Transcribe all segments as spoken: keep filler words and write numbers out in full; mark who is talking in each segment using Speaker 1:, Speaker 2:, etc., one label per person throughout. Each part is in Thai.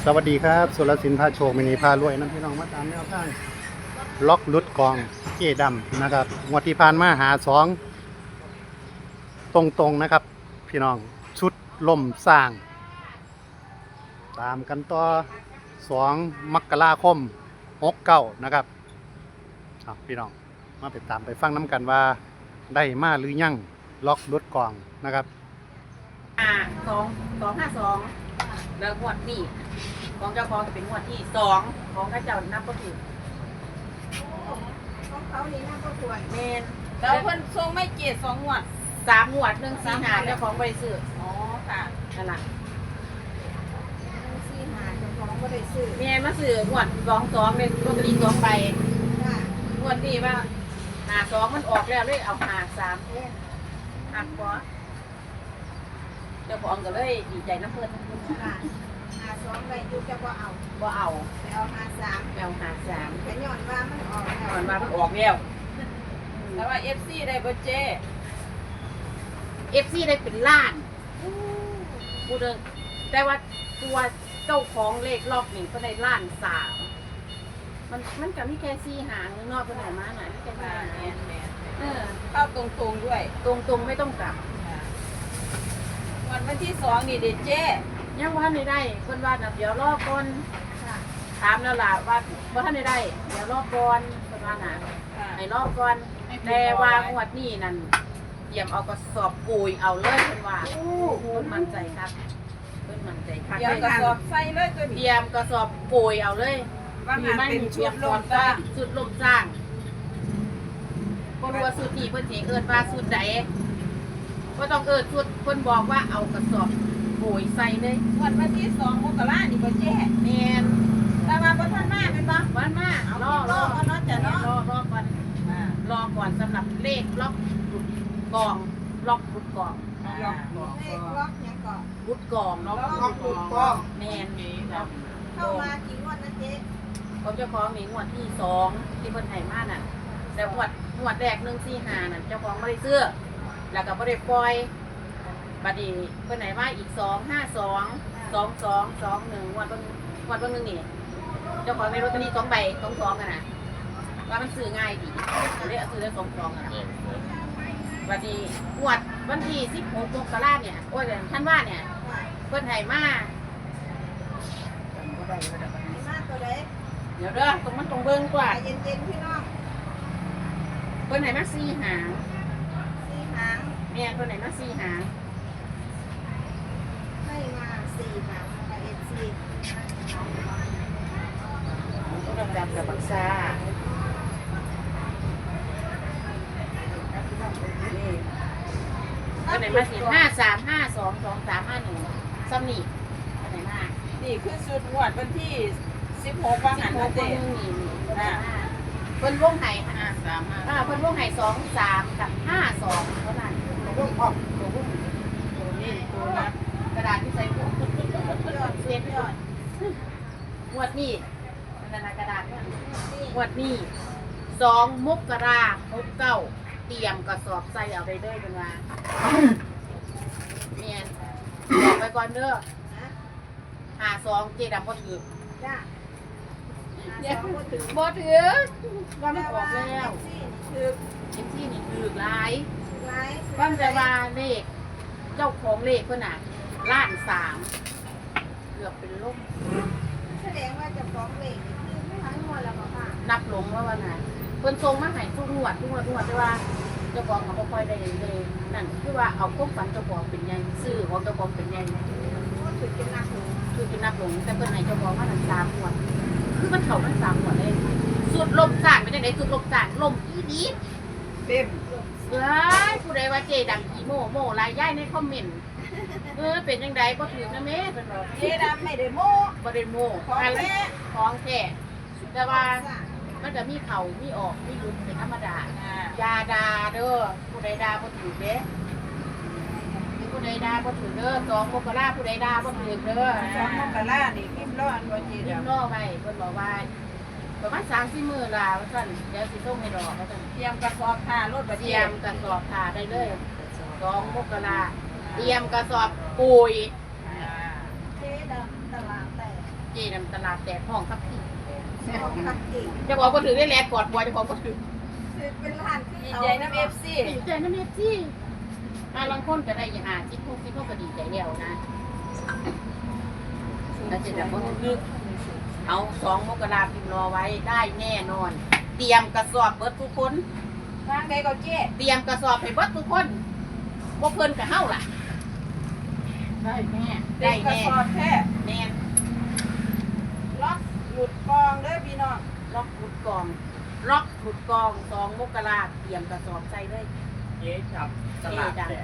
Speaker 1: สวัสดีครับสุรศิลป์พาโชคมินีพารวยน้ำพี่น้องมาตามแนวทางล็อกลุดกองเจดำนะครับงวดที่ผ่านมาหาสองตรงๆนะครับพี่น้องชุดล่มสร้าง ตามกันต่อสองมกราคมหกเก้านะครับพี่น้องมาไปตามไปฟังน้ำกันว่าได้มาหรือยังล็อกลุดกองนะครับ
Speaker 2: อ่าสองสองห้าสองแล้วงวดนี้ของเจ้าของจะเป็นงวดที่สองของข้าเจ้านับก็ถูก
Speaker 3: ของเขานี่น่าก็สวย
Speaker 2: เมน
Speaker 3: แล้วเพิ่นทรงไม่เกียรติสองงวด
Speaker 2: สามงวดหนึ่งสี่หาเจ้าของบริสุทธิ์
Speaker 3: อ๋อค่ะ
Speaker 2: นั่นแหละ
Speaker 3: สี่หาเจ้าของก็ได้ซื้อ
Speaker 2: เมนมาซื้องวดสองสองเลยลอตเตอรี่สองใบ
Speaker 3: ค่ะ
Speaker 2: งวดนี้ว่าหาสองมันออกแล้วเลยเอาหาสาม
Speaker 3: เอ๊ะ
Speaker 2: หักพอเจ้าของก็เลยดีใจน้ำเพิ่น
Speaker 3: ค่ะหาสองใบยุจะบ่เอา
Speaker 2: บ่เอา
Speaker 3: ไปเอาหาสาม
Speaker 2: เอาหาสาม
Speaker 3: แต่ย้อนว่ามันออกแล้ว
Speaker 2: ก่อนมามันออกแล้ว
Speaker 3: แต่ว่า เอฟ ซี ได้บ่เจ้
Speaker 2: เอฟซีได้เป็นล้านพูดเลยแต่ว่าตัวเจ้าของเลขรอบนี้ก็ได้ล้านสามมันมันกับมีแค่สี่หางนอกไปไหนมาไหนไม่แค่สี่หางเออ
Speaker 3: เข้าตรงๆด้วย
Speaker 2: ตรงตรงๆไม่ต้องกลับ
Speaker 3: วันวันที่สองนี่เด็ดเจ้
Speaker 2: ยังว่าไม่ได้คนว่าน่ะเดี๋ยวรอก่อน
Speaker 3: ค่ะ
Speaker 2: ถามแล้วล่ะว่าว่าท่านไม่ได้ เดี๋ยวรอก่อนคนว่าน่ะ
Speaker 3: ค่ะ
Speaker 2: ให้รอก่อนแต่ว่างวดนี้นั่นเตรียมเอากระสอบปุ๋ยเอาเลยคนว่าเพิ่นมั่นใจครับเพิ่นมั่นใจครับ
Speaker 3: เดี๋ยวกระสอบใส่เลยตัว
Speaker 2: เต
Speaker 3: นี้
Speaker 2: รียมกระสอบปุ๋ยเอาเลย
Speaker 3: ว่างานเป็นชุดลมตา
Speaker 2: สุดลมสร้างบ่รู้ว่าสุดนี้เพิ่นสิเอิ้นว่าสุดใดบ่ต้องเอิ้นสุดเพิ่นบอกว่าเอากระสอบปุ๋ยใส่เลย
Speaker 3: วันวันที่สองมกรานี่บ่เจ้
Speaker 2: แม่น
Speaker 3: แต่ว่าบ่ทันมาเป็นบ่
Speaker 2: วันมา
Speaker 3: เอา
Speaker 2: รอร
Speaker 3: ร
Speaker 2: อ
Speaker 3: อเอาเนาะจ้ะเนาะ
Speaker 2: รอรอก่อนรอก่อนสำหรับเลขล็อกหลุดกองล็อกหลุดกอง
Speaker 3: ล็อกเลขล็อกหยังก่อน
Speaker 2: หลุดกองล็อก
Speaker 3: ล็อกหลุดกอง
Speaker 2: แม่นนี่ครับ
Speaker 3: เข้ามากี่งวดนะเจ๊
Speaker 2: เขาเจ้าของมีงวดที่สองที่เพิ่นให้มาน่ะแต่งวดงวดแรกหนึ่งสี่ห้าน่ะเจ้าของไม่ได้ซื้อแล้วก็ไม่ได้ปล่อยบัดนี้เพิ่นให้มาอีกสองห้าสองสองสองสองหนึ่งงวดเพิ่นงวดเพิ่นหนึงนี่เจ้าของในลอตเตอรี่สองใบสองสองกันน่ะว่ามันซื้อง่ายดีเลยเอาซื้อได้สองสองกันน่ะบัดนี้งวดวันที่สิบหกมกราเนี่ยโอ้ยท่านว่าเนี่ยเพิ่นให้มาจำบ่ได้ว่าเดี๋ยว
Speaker 3: ให้มาตัวเล็ก
Speaker 2: เดี๋ยวเด้อตรงมันตรงเบิ่งกว่า
Speaker 3: เย็นๆพี่น้อง
Speaker 2: เพิ่นไหนมาสี่หาง
Speaker 3: สี่หาง
Speaker 2: แม่นเพิ่นไหนมาสี่หาง
Speaker 3: ให้มาสี่หางนะคะเอฟซี
Speaker 2: ต้องดำดำกับบักซานี่เพิ่นไหนมาสี่ห้าสามห้าสองสองสามห้าหนึ่งซ้ำนี่เพิ่นไหนมา
Speaker 3: นี่คือสุดงวดวันที่สิบหกว่า
Speaker 2: สิ
Speaker 3: หั
Speaker 2: บ
Speaker 3: น
Speaker 2: ห
Speaker 3: มาก
Speaker 2: ค
Speaker 3: เจ๊
Speaker 2: นนึงนี่นี่เพิ่นไหนมาเพิ่นวงไห่ห้าสามห้าเพิ่นวงไห่สองสามกับห้าสองเท่านั้นตัววงออกตัววงตัวนี้ตัวนับกระดาษที่ใส่หัวยอดเสียยอดงวดนี้นั่นน่ะกระดาษเนี่ย งวดนี้สองมกราหกเก้าเตรียมกระสอบใส่เอาไปเด้อเป็นว่าเมียนบอกไปก่อนเด้อ
Speaker 3: นะ
Speaker 2: หาสองเจดำบ่ถือ
Speaker 3: จ้า
Speaker 2: เดี๋ยว
Speaker 3: สองก็ถึง
Speaker 2: บ่ถือว่ามันออกแล้ว
Speaker 3: คือ
Speaker 2: เอ็มซี่นี่ถือหลาย
Speaker 3: ไลฟ์
Speaker 2: ว่าแต่ว่าเลขเจ้าของเลขเพิ่นน่ะล้านสามเกือบเป็นลม
Speaker 3: แสดงว่าเจะฟ้าของเลขนี่คือทั้งงวดแล้วก็ค่ะ
Speaker 2: นับลงว่าว่าน่ะเพิ่นส่งมาให้ทุกงวดทุกงวดทุกงวดแต่ว่าเจ้าของก็บ่ค่อยได้เลยนั่นคือว่าเอาความฝันเจ้าของเป็นใหญ่ซื้อของเจ้าของเป็นใหญ่
Speaker 3: ก็ถือเป็นหนักหนู
Speaker 2: คือกินนับลงแต่เพิ่นให้เจ้าของมาทั้งสามงวดคือมันเข้าทั้งสามงวดเลยสุดลมสานเป็นจังได๋สุดลมสานลมอีดี
Speaker 3: เต็ม
Speaker 2: เอ้ยผู้ใดว่าเจดังอีโมโมรายย้ายในคอมเมนต์เออเป็นจังไดบ่ถือนะแม่เพิ่นบอก
Speaker 3: เจ๊ดำไม่ได้โม้
Speaker 2: บ่ได้โม
Speaker 3: ของแท้
Speaker 2: ของแท้แต่ว่ามันจะมีเข้ามีออกมีหลุดเป็นธรรมดา
Speaker 3: อ่า
Speaker 2: อย่าด่าเด้อผู้ใดด่าบ่ถือเด้ผู้ใดด่าบ่ถือเด้อสองมกราผู้ใดด่าบ่ถือเด้อ
Speaker 3: สองมกรานี่พิมพ์ร้อนว่าเจ๊
Speaker 2: เรียบ
Speaker 3: ดำ
Speaker 2: ร้อยไว้เพิ่นบอกว่าประมาณสามสี่มื้อล่ะว่าซั่นเดี๋ยวสิส่งให้ดอกว่าซั่น
Speaker 3: เตรียมกระสอบผ้ารถประ
Speaker 2: เต
Speaker 3: เที
Speaker 2: รี
Speaker 3: ย
Speaker 2: ย
Speaker 3: ม
Speaker 2: มกระสอบผ้าได้เลยสองมกราเตรียมกระสอบปุ๋ย
Speaker 3: เจ๊ดำตลาดแตก
Speaker 2: เจนำตลาดแตกห้องครับพี่
Speaker 3: ของกับเก่ง
Speaker 2: เจ้าของก็ถือได้แลกกอดบัวเจ้าของก็ถือ
Speaker 3: คือเป็นร้านที่
Speaker 4: ดี
Speaker 3: เขา
Speaker 4: ใจน้ำเอฟซี
Speaker 2: ดีใจนะเมจี้อาลังคนก็ได้อย่าหาจิ๊กพวกที่พวกก็ดีใจแล้วนะแล้วเจะแบบว่านึกเอาสองมกราพิมพ์รอไว้ได้แน่นอน เตรียมกระสอบเบิดทุกคน
Speaker 3: ร้านใดก็เจ๊
Speaker 2: เตรียมกระสอบให้เบิดทุกคนบ่เพิ่นกับเฮาล่ะ ได้แน่
Speaker 3: ได้
Speaker 2: ได้
Speaker 3: กระ
Speaker 2: แน่
Speaker 3: สอบแท้
Speaker 2: แน่
Speaker 3: ล็อกหลุดกองเด้อพี่น้อง
Speaker 2: ล็อกขุดกองล็อกขุดกองสองมกราเตรียมกระสอบใส่เลย
Speaker 4: เจ๊จับตลาดแตก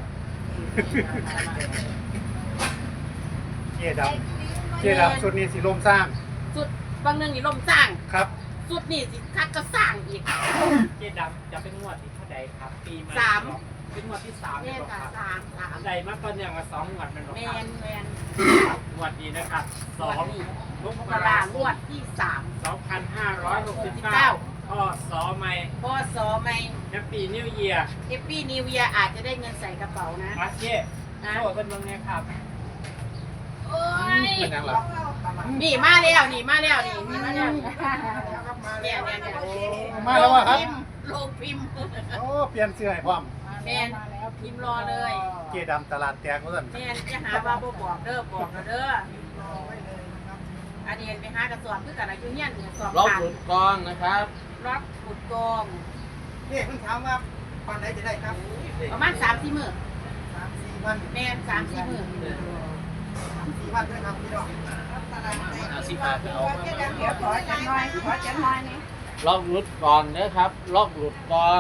Speaker 1: เจ๊ดำเจ๊ดำชุดนี้สีลมสร้าง
Speaker 2: สุดบางหนึงนี่ล่มสร้าง
Speaker 1: ครับ
Speaker 2: สุดนี่สิคัดก็สร้างอีก
Speaker 4: เจ๊ดำจะเป็นงวดที่เท่าใดครับ ปีใหม่
Speaker 2: สาม
Speaker 4: เป็นงวดที่สาม
Speaker 2: แม่
Speaker 4: เลย
Speaker 2: ค่ะ
Speaker 4: ครับ
Speaker 2: สามสาม
Speaker 4: ใดมาตอนอย่างละสองงวดเป็นหรอ
Speaker 2: แม
Speaker 4: ครับ
Speaker 2: นแมน
Speaker 4: งวดนี้นะครับส
Speaker 2: ส
Speaker 4: อ
Speaker 2: อง
Speaker 4: ง
Speaker 2: นี่
Speaker 4: ม
Speaker 2: ม
Speaker 4: ก
Speaker 2: ก
Speaker 4: รา
Speaker 2: รา
Speaker 4: ค
Speaker 2: ง
Speaker 4: ม
Speaker 2: วดที่สาม
Speaker 4: สองพันห้าร้อยหกสิบ
Speaker 2: เก้า
Speaker 4: เก้าพ่อสอไม่
Speaker 2: พอสอไม่
Speaker 4: แฮปปี้นิวเยียร์
Speaker 2: เอฟปี้นิวเยียอาจจะได้เงินใส่กระเป๋านะ
Speaker 4: มาเจ๊
Speaker 2: นะ
Speaker 4: โชว์เป็นบังไงครับ
Speaker 2: โอ้ย
Speaker 1: เป็นยังไง
Speaker 3: ต้องเอาตลาด
Speaker 2: นี่มาแล้วนี่มาแล้วนี่นี่มาแล้วเนี่ยเนี่ยเนี่ย
Speaker 1: มาแล้ววะครับ
Speaker 2: โลงพิมพ์
Speaker 1: โอ้เปลี่ยนเสื้อให้พร้อม
Speaker 2: แมนพิมพ์รอเลย
Speaker 1: เจ๊ดำตลาดแตกว่าสั่น
Speaker 2: แมนจะหาว่าบ่บอกเด้อบอกเด้ออันนี้ไปหากระสอบคือกันอายุเนี่ยกระสอบ
Speaker 4: ล็อก
Speaker 2: ขาด
Speaker 4: หลุดกองนะครับ
Speaker 2: ล็อกขุดกอง
Speaker 5: นี่เพิ่งถามว่าวันไหนจะได้ครับ
Speaker 2: ประมาณสามสี่หมื่น
Speaker 5: สามสี่วัน
Speaker 2: แมนสามสี่หมื่น
Speaker 5: สามสี่วันด้วยครับพี่น้อง
Speaker 3: ตลาดไหน
Speaker 4: เอาสิบบาทเอา
Speaker 3: เจ๊ดำเดี๋ยวขอจังหน่อยขอจังหน่อยนี่
Speaker 4: ล็อกหลุดกองนะครับล็อกหลุดกอง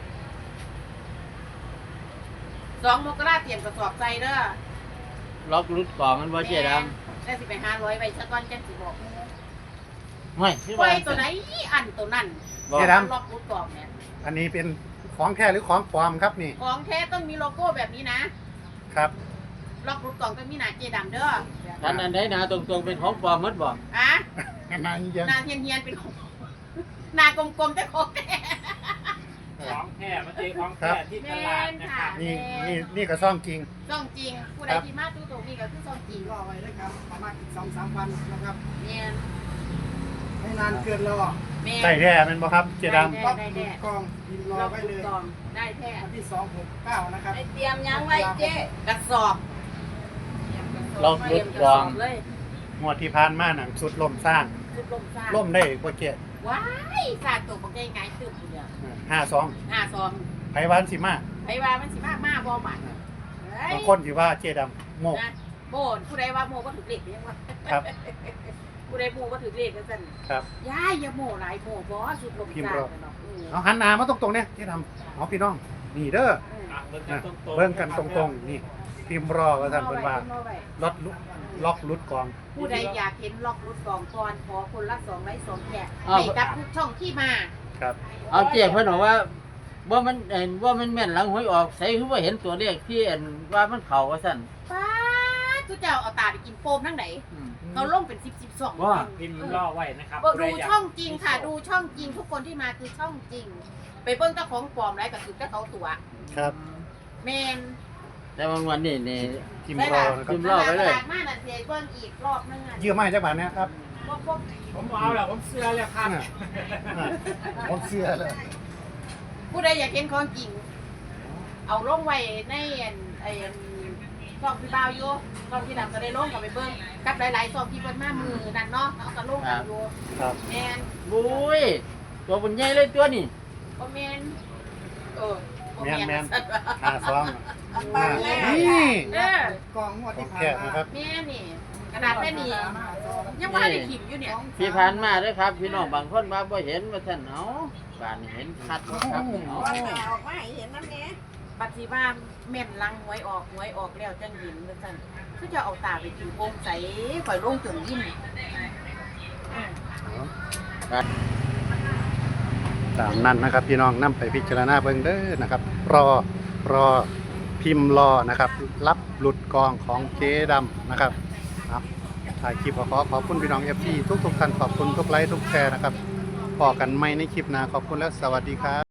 Speaker 2: สองมกราเตรียมกระสอบใจเด้อ
Speaker 4: ล็อกหลุดกองมันว่าเจ๊ด
Speaker 2: ได้สิไปห้าร้อยใบสักก้อนจังสิบอก
Speaker 4: ำไม่ที่
Speaker 2: ไว้
Speaker 4: ว่า
Speaker 2: ตัวไหนอันตัวนั้น
Speaker 4: บอก
Speaker 1: เจ๊ด
Speaker 2: ล็อกรูดกล่องเนี่ย
Speaker 1: ำอันนี้เป็นของแท้หรือของปลอมครับนี่
Speaker 2: ของแท้ต้องมีโลโก้แบบนี้นะครับ ล็อกรูดกล่องต้องมีหน้าเจดำเด้อ
Speaker 4: ท่านอันไหนนะตรงๆเป็นของปลอมหมดบอก
Speaker 2: อ่ะ
Speaker 1: นานยัง
Speaker 2: หน้าเทียนเทียนๆเป็นของหน้ากลมๆแต่ของแท้
Speaker 4: ของแท้มาเจอของแท้ที่ตลาดนะครับ
Speaker 1: นี่นี่นี่ก็ซ่องจริง
Speaker 2: ซ่องจริงผู้ใดที่มาตู้ตรงนี้ก็คือซ่องจริง
Speaker 5: รอไว้เลยครับประมาณอีกสองสามวันนะครับ
Speaker 2: เนี่ย
Speaker 5: ไม่นานเกินรอ
Speaker 2: แม่
Speaker 1: ใส่แท้เป็นบ่ครับเจ๊ด
Speaker 5: ล็อกหลุดกองพิมพ์รอ
Speaker 2: ล็อก
Speaker 5: ไว้
Speaker 2: รู
Speaker 5: เล
Speaker 2: ด
Speaker 5: ย
Speaker 2: กล่องได้แท้
Speaker 5: วันที่สองหกเก้านะครับ
Speaker 3: ไอเตรียมยังไว้เจ๊
Speaker 2: กระสอบ
Speaker 4: ล็อกหลุดกอง
Speaker 2: เลย
Speaker 1: ำงวดที่ผ่านมาหนังสุดลมสร้าง
Speaker 2: ชุดลมซ่า
Speaker 1: ล่มได้กว่าเจ๊
Speaker 2: ว้ายสาดตัวบอกง่ายๆตึบอยู่เดียว
Speaker 1: ห้าสอง
Speaker 2: ห้าซอง
Speaker 1: ไผวานสิมา
Speaker 2: ไผว่ามันสิมากมากบ่บัดเฮ้ย
Speaker 1: บางคนสิว่าเจ๊ดำโมก
Speaker 2: นะโมนผู้ใดว่าโมก็ถือเลขยังวะ
Speaker 1: ครับ
Speaker 2: ผู้ใดโมก็ถือเลขกันสั่น
Speaker 1: ครับ
Speaker 2: ยายอย่าโมหลายโมบ่สุดลม
Speaker 1: พิมพ์
Speaker 2: ซ่าร
Speaker 1: อ
Speaker 2: เนาะอืม
Speaker 1: เอาหันหน้ามาตรงๆเนี่ยเจ๊ดำเอาพี่น้องนี่เด้อ
Speaker 2: อืม
Speaker 4: อ่ะเบิ่งกั
Speaker 1: นะ
Speaker 4: นตรงๆ
Speaker 1: เบิ่งกันตรงๆนี่พิมพ์รอว่าสั่นเพิ่นว่า
Speaker 2: พิมพ์รอไว้
Speaker 1: ล็อกลุล็อกลุดกอง
Speaker 2: ผู้ใดอยากเห็นล็อกรุดกองก่อนขอคนละสองไลค์สองแฉกให้กับทุกช่องที่มา
Speaker 1: ครับ
Speaker 4: เอาเจ๊เพิ่นบอกว่าว่ามันเห็นว่ามันแม่นหลังหวยออกใส่คือว่าเห็นตัวเลขที่เห็นว่ามันเข้าว่าซั่น
Speaker 2: ป้าทุกเจ้าเอาตาไปกินโฟมทั้งไหน
Speaker 4: อืม
Speaker 2: เขาลงเป็นสิบสิบสอง
Speaker 4: ว่าพิมพ์ล่อไว้นะครับ
Speaker 2: ดูช่องจริงค่ะ ดูช่องจริง ทุกคนที่มาคือช่องจริง ไปเบิ้งเจ้าของปลอมไรกับคือเจ้าเขาตัว
Speaker 1: ครับ
Speaker 2: แมน
Speaker 4: แต่บางวันนี่นี่
Speaker 1: พิมพ์รอนะค
Speaker 4: พิ
Speaker 1: รับ
Speaker 4: มพ์รอไว้เลย
Speaker 2: ตลาดมาน่ะเสียเบิ้งอีกรอบนึงอ่ะ
Speaker 1: ยืมมาให้จักบาทนะครับ
Speaker 2: พวกพวก
Speaker 4: ผมเอาแล้วผมเสื้อแล้วครับ
Speaker 1: อ่าอ่าผมเสื้อเลย
Speaker 2: ผู้ใดอยากเห็นของจริง เอาลงไว้ในอันไอ้อันช่องพี่บ่าวอยู่ช่องที่ดำก็ได้ลงกับไปเบิ้งกับหลายๆช่องที่เบิ้งมามือนั่นเนาะเอาก็ลงกันอยู่
Speaker 1: ครับ
Speaker 2: แมน
Speaker 4: บุ้ยตัวบนใหญ่เลยตัวนี่
Speaker 2: บ่แมนเออบ่
Speaker 1: แมนแมน
Speaker 2: สัตว์
Speaker 1: ห้าสอง
Speaker 3: ปังแม่
Speaker 1: นี่
Speaker 2: เออก
Speaker 5: องงวด
Speaker 1: ขอ
Speaker 5: ที่
Speaker 1: ง
Speaker 5: ผ่าน
Speaker 1: แท้
Speaker 5: มา
Speaker 1: นะครับ
Speaker 2: แม่นี่กระดาษแม่นี่ยังว่าได้ขิมอยู่เนี่ย
Speaker 4: ที่ผ่านมาเด้อครับ พี่น้องบางคนมาบ่เห็นว่าท่านเอาบ้านเห็นชัดบ่ครับเอา
Speaker 3: วันหนาออกมาให้เห็นน้ำเนี้ย
Speaker 2: บัดสิว่าแม่นลังหวยออกหวยออกแล้วจังยินว่าซั่นคือจะเอาตาไปกินโป่งใสข่อยลงจนยิ้ม
Speaker 1: ตามนั้นนะครับ พี่น้องนำไปพิจารณาเบิ่งเด้อนะครับ รอรอพิมพ์รอนะครับ รับหลุดกองของเจ๊ดำนะครับครับถ่ายคลิปก็ขอขอบคุณพี่น้อง เอฟ ซี ทุกๆท่านขอบคุณทุกไลค์ทุกแชร์นะครับพอกันไม่ในคลิปหน้าขอบคุณและสวัสดีครับ